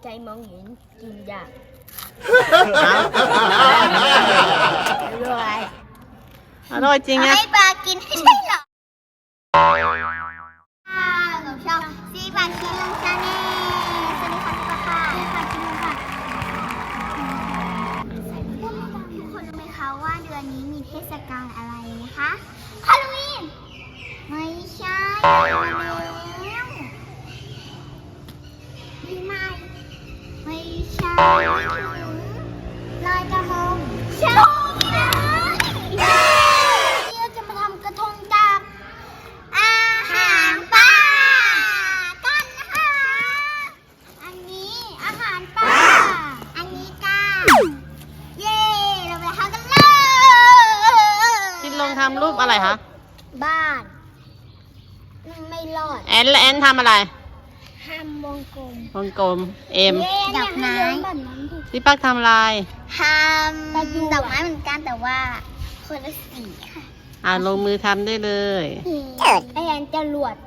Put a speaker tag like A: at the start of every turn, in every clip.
A: ใจมองเห็นกินยากอร่อยจริงไง
B: ให้ปลากินไม่ใช่หรอผมชอบซีปลาคิลงชาแนลสวัสดีค่ะพี่ปลาค่ะสวัสดีค่ะคิลงค่ะทุกคนรู้ไหมคะว่าเดือนนี้มีเทศกาลอะไรนะคะฮาโลวีนไม่ใช่แล้วปีใหม่ไม่ใช่ลอยกระทงใช่นะที่เราจะมาทำกระทงจากอาหารปลากันนะคะอันนี้อาหารปลาอันนี้ก้าเย้เราไปทำกันเลย
C: คิดลงทำรูปอะไรคะ
B: บ้านไม่รอด
C: แอนทำอะไร
B: ทำวงกลม
C: วงกลมเอ็ม
B: ดอกไม้
C: พี่ปักทำอะไร
B: ทำดอกไม้เหมือนกันแต่ว่าคนละสีค่ะ
C: ลงมือทำได้เลย
B: ไอแอนจะรวด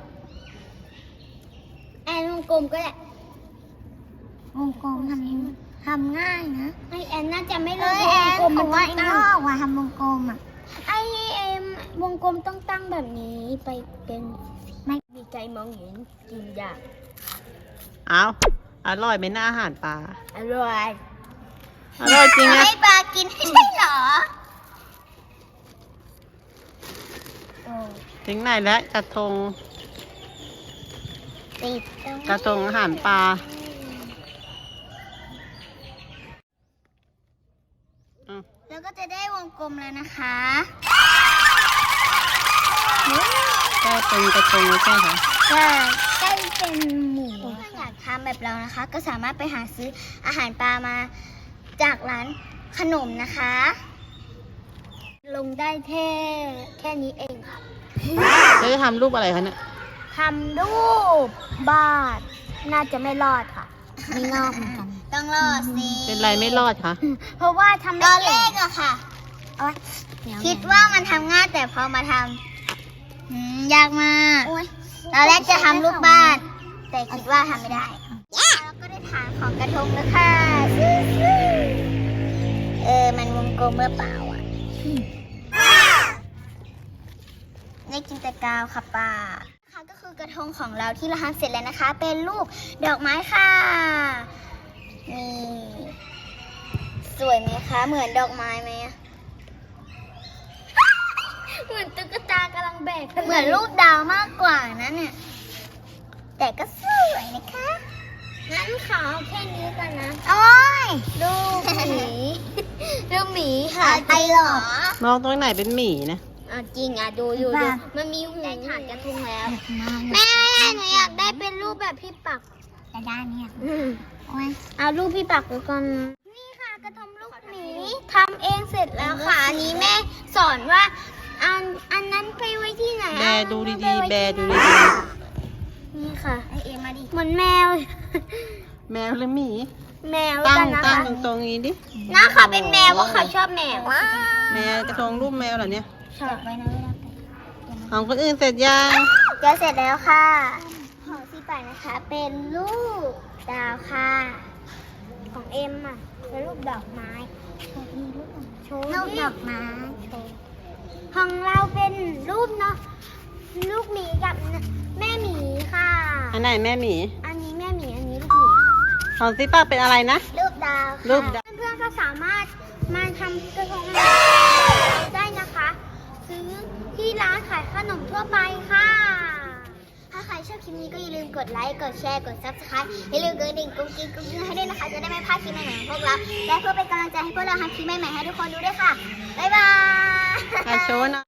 B: แอนวงกลมก็แหละวงกลมทำง่ายนะไอแอนน่าจะไม่รู้วงกลมมันว่าตั้งว่าทำวงกลมอ่ะไอเอ็มวงกลมต้องตั้งแบบนี้ไปเป็นไม่มีใจมองเห็นกินยาก
C: อร่อยไหมหน้าอาหารปลา
B: อร่อย
C: อร่อยจริงไง
B: ให้ปลากินไม่ใช่หรอ
C: ถึงไหนแล้วกระทง
B: ติด
C: กระทงอาหารปลา
B: แล้วก็จะได้วงกลมแล้วนะคะ
C: ได้เป็นกระทงใช่ไหมคะ
B: ใกล้เป็นหมูถ้าอยากทำแบบเรานะคะ ก็สามารถไปหาซื้ออาหารปลามาจากร้านขนมนะคะ ลงได้แค่นี้เองค่ะ
C: แล้วจะทำรูปอะไรคะเนี่ย
B: ทำรูปบ้านน่าจะไม่รอดค่ะไม่รอดเหมือนกันต้องรอดสิ
C: เป็นไรไม่รอดคะ
B: เพราะว่าทำตอนแรกอะค่ะคิดว่ามันทำง่ายแต่พอมาทำยากมากตอนแรกจะทำรูปบ้าน แต่คิดว่าทำไม่ได้แล้วก็ได้ฐานของกระทงแล้วค่ะมันวงกลมเมื่อเปล่าอ่ะได้กินแต่กาวค่ะป้าค่ะก็คือกระทงของเราที่เราทำเสร็จแล้วนะคะ เป็นรูปดอกไม้ค่ะนี่สวยไหมคะเหมือนดอกไม้ไหมเหมือนตุ๊กตากำลังแบกเหมือนรูปดาวมากกว่านะเนี่ยแต่ก็สวยนะคะงั้นขอแค่นี้ก่อนนะโอ้ยรูปหมีรูปหมีค่ะไอหรอ
C: มองตรงไหนเป็นหมีนะ
B: จริงดูมันมีหูได้ฐานกระทงแล้วแม่หนูอยากได้เป็นรูปแบบพี่ปักจะได้เนี่ยเอารูปพี่ปักแล้วกันนี่ค่ะกระทงลูกหมีทำเองเสร็จแล้วค่ะอันนี้แม่สอนว่าอันนั้นไปไว้ที่ไหน
C: แบดูดีๆแบดูดี
B: นี่ค่ะไอเอ็มมาดิเหมือนแมว
C: ๆแมวหรือหมี
B: แมว
C: ตั้
B: กั
C: ง
B: นนะ
C: ตั้ง
B: คะ
C: ตรงๆนี้ดิ
B: น้าเขาเป็นแมวเพราะเขาชอบแมว
C: แมวกระทงรูปแมวเหรอเนี่ย
B: ชอบไว้นะเวลา
C: ของคนอื่นเสร็จยัง
B: จะเสร็จแล้วค่ะของซีป่ายนะคะ เป็นรูปดาวค่ะ ของเอ็มอ่ะเป็นรูปดอกไม้โชว์รูปดอกไม้โชว์ของเราเป็นรูปเนาะลูกหมีกับแม่หมีค่ะ
C: อันไหนแม่หมี
B: อันนี้แม่หมีอันนี้ลูกหมี
C: ของซิป้าเป็นอะไรนะ
B: รูปดาวค่ะ
C: รูปดาว
B: เพื่อนๆก็สามารถมาทำกระทงได้นะคะ ซื้อที่ร้านขายขนมทั่วไปค่ะ ถ้าใครชอบคลิปนี้ก็อย่าลืมกดไลค์ กดแชร์ กด Subscribe อย่าลืมกดกระดิ่งกุ๊กกิ๊กกุ๊กกิ๊กให้ด้วยนะคะ จะได้ไม่พลาดคลิปใหม่ๆของพวกเรา และเพื่อเป็นกำลังใจให้พวกเราทำคลิปใหม่ๆให้ทุกคนดูด้วยค่ะ บ๊ายบาย
C: โชว์หน่อย